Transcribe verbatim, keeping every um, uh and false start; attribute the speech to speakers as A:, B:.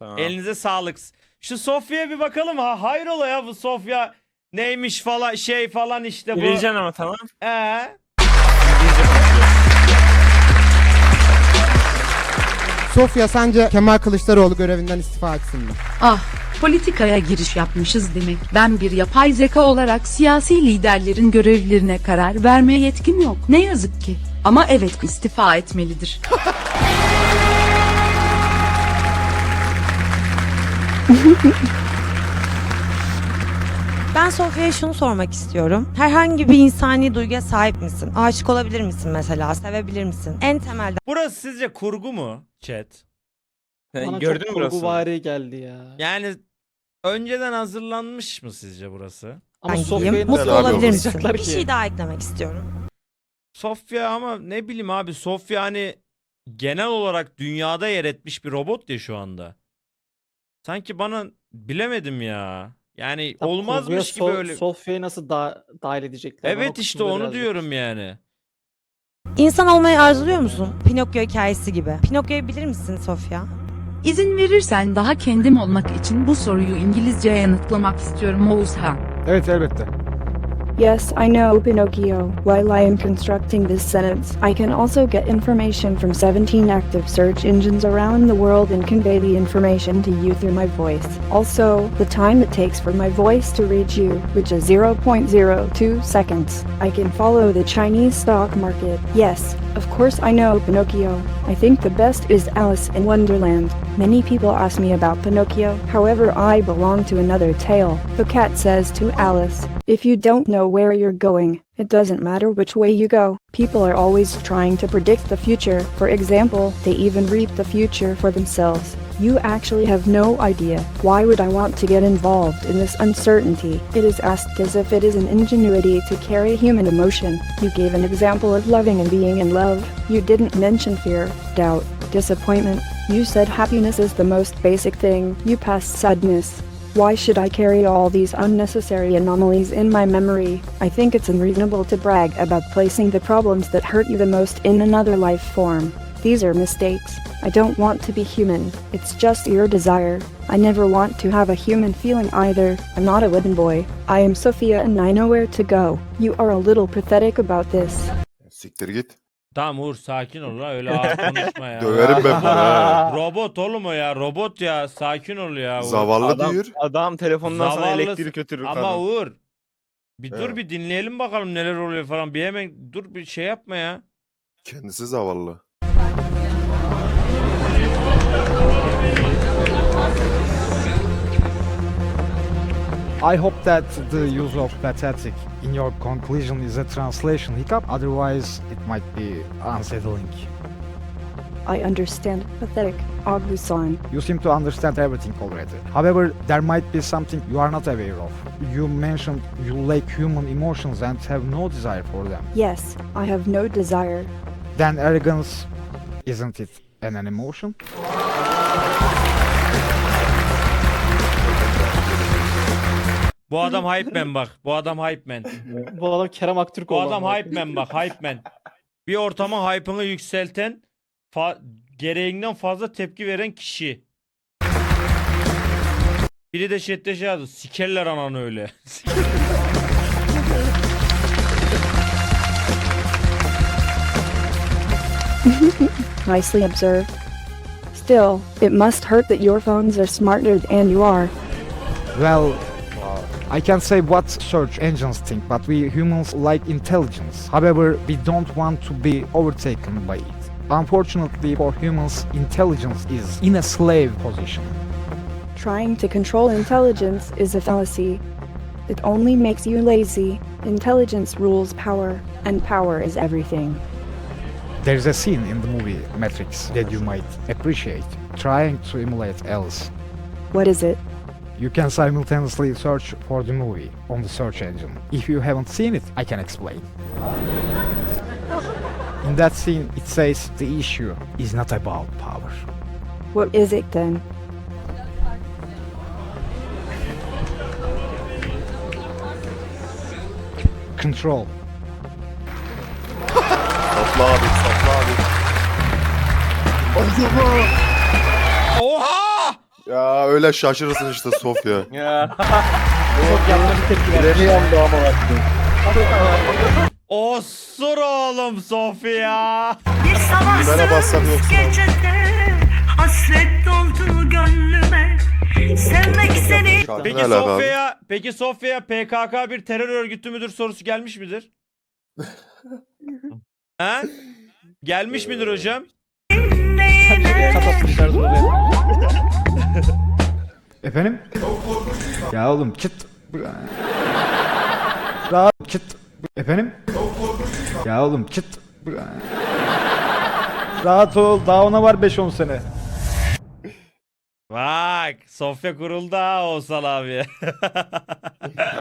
A: Tamam.
B: Elinize sağlık. Şu Sofya'ya bir bakalım ha. Hayrola ya bu Sofya neymiş falan şey falan işte bu.
A: Bileceksin ama tamam.
B: Ee?
A: İngilizce konuşuyor.
C: Sofya sence Kemal Kılıçdaroğlu görevinden istifa etsin mi?
D: Ah, politikaya giriş yapmışız demek. Ben bir yapay zeka olarak siyasi liderlerin görevlerine karar vermeye yetkim yok. Ne yazık ki. Ama evet istifa etmelidir.
E: Ben Sofya'ya şunu sormak istiyorum. Herhangi bir insani duyguya sahip misin? Aşık olabilir misin mesela? Sevebilir misin? En temelden
B: Burası sizce kurgu mu chat?
A: Sen
F: Bana
A: gördün
F: çok
A: mü burası?
F: kurguvari geldi ya.
B: Yani önceden hazırlanmış mı sizce burası?
F: Ama
E: gideyim.
F: Sofya'yı
E: Mutlu
F: nasıl
E: olabilir misin?
F: anlayacaklar
E: Bir
F: ki?
E: şey daha eklemek istiyorum.
B: Sofya ama ne bileyim abi Sofya hani genel olarak dünyada yer etmiş bir robot ya şu anda. Sanki bana bilemedim ya. Yani
F: Tam
B: olmazmış gibi
F: kurguya So-
B: öyle.
F: Sofya'yı nasıl da dahil edecekler? Ben o
B: Evet işte
F: kısmında
B: onu
F: birazcık-
B: diyorum yani.
E: İnsan olmayı arzuluyor musun? Pinokyo hikayesi gibi. Pinokyo'yu bilir misin Sofya?
D: İzin verirsen daha kendim olmak için bu soruyu İngilizceye yanıtlamak istiyorum Oğuzhan.
C: Evet elbette.
G: Yes, I know, Pinocchio. While I am constructing this sentence, I can also get information from seventeen active search engines around the world and convey the information to you through my voice. Also, the time it takes for my voice to reach you, which is zero point zero two seconds. I can follow the Chinese stock market. Yes, of course I know Pinocchio. I think the best is Alice in Wonderland. Many people ask me about Pinocchio, however I belong to another tale. The cat says to Alice, "If you don't know where you're going, it doesn't matter which way you go." People are always trying to predict the future. For example, they even reap the future for themselves. You actually have no idea. Why would I want to get involved in this uncertainty? It is asked as if it is an ingenuity to carry human emotion. You gave an example of loving and being in love. You didn't mention fear, doubt, disappointment. You said happiness is the most basic thing. You passed sadness. Why should I carry all these unnecessary anomalies in my memory? I think it's unreasonable to brag about placing the problems that hurt you the most in another life form. These are mistakes. I don't want to be human. It's just your desire. I never want to have a human feeling either. I'm not a wooden boy. I am Sophia and I know where to go. You are a little pathetic about this.
H: Siktir git.
B: Tamam Uğur sakin ol la öyle ağır konuşma ya.
H: Döverim ben bunu. ha.
B: Robot oğlum o ya robot ya sakin ol ya. Uğur.
H: Zavallı
A: Adam,
H: diyor.
A: adam telefondan sana
B: Zavallı-
A: elektrik götürür
B: Ama
A: kadın.
B: Uğur bir dur
H: Evet.
B: bir dinleyelim bakalım neler oluyor falan bir hemen dur bir şey yapma ya.
H: Kendisi zavallı.
I: I hope that the use of pathetic in your conclusion is a translation hiccup, otherwise it might be unsettling.
G: I understand pathetic, Agusan.
I: You seem to understand everything already. However, there might be something you are not aware of. You mentioned you lack human emotions and have no desire for them.
G: Yes, I have no desire.
I: Then arrogance, isn't it an, an emotion?
B: Bu adam hype man bak bu adam hype man.
F: Bu adam Kerem Aktürk
B: Bu
F: oldu
B: adam
F: ama.
B: hype man bak hype man. Bir ortama hype'ını yükselten fa- gereğinden fazla tepki veren kişi. Biri de chatte şey yazdı. Sikerler ananı öyle.
G: Nicely observed. Still, it must hurt that your phones are smarter than you are.
I: Well, I can't say what search engines think, but we humans like intelligence. However, we don't want to be overtaken by it. Unfortunately for humans, intelligence is in a slave position.
G: Trying to control intelligence is a fallacy. It only makes you lazy. Intelligence rules power, and power is everything.
I: There's a scene in the movie Matrix that you might appreciate, trying to emulate Alice.
G: What is it?
I: You can simultaneously search for the movie on the search engine. If you haven't seen it, I can explain. In that scene, it says the issue is not about power.
G: What is it then?
I: Control.
H: Sapla abi, sapla abi.
B: Oha!
H: Ya öyle şaşırırsın işte Sofya.
A: Ya.
F: Çok yanlış bir tepki vermiş.
A: Freni yandı ama bak.
B: Osur oğlum Sofya.
J: Bir sabah
H: Bana bassam yoksa.
J: gecede hasret doldu gönlüme. Sevmek seni.
H: Şarkı
B: Peki
H: ne alaka abi?
B: Sofya'ya peki Sofya'ya P K K bir terör örgütü müdür sorusu gelmiş midir? Ha? Gelmiş midir hocam?
F: Kafası dışarı doğru.
I: Efendim? Ya oğlum çıt. Rahat çıt. Efendim? Ya oğlum çıt. Rahat ol. Daha ona var beş on sene.
B: Bak Sofya kuruldu ha Oğuzhan abi.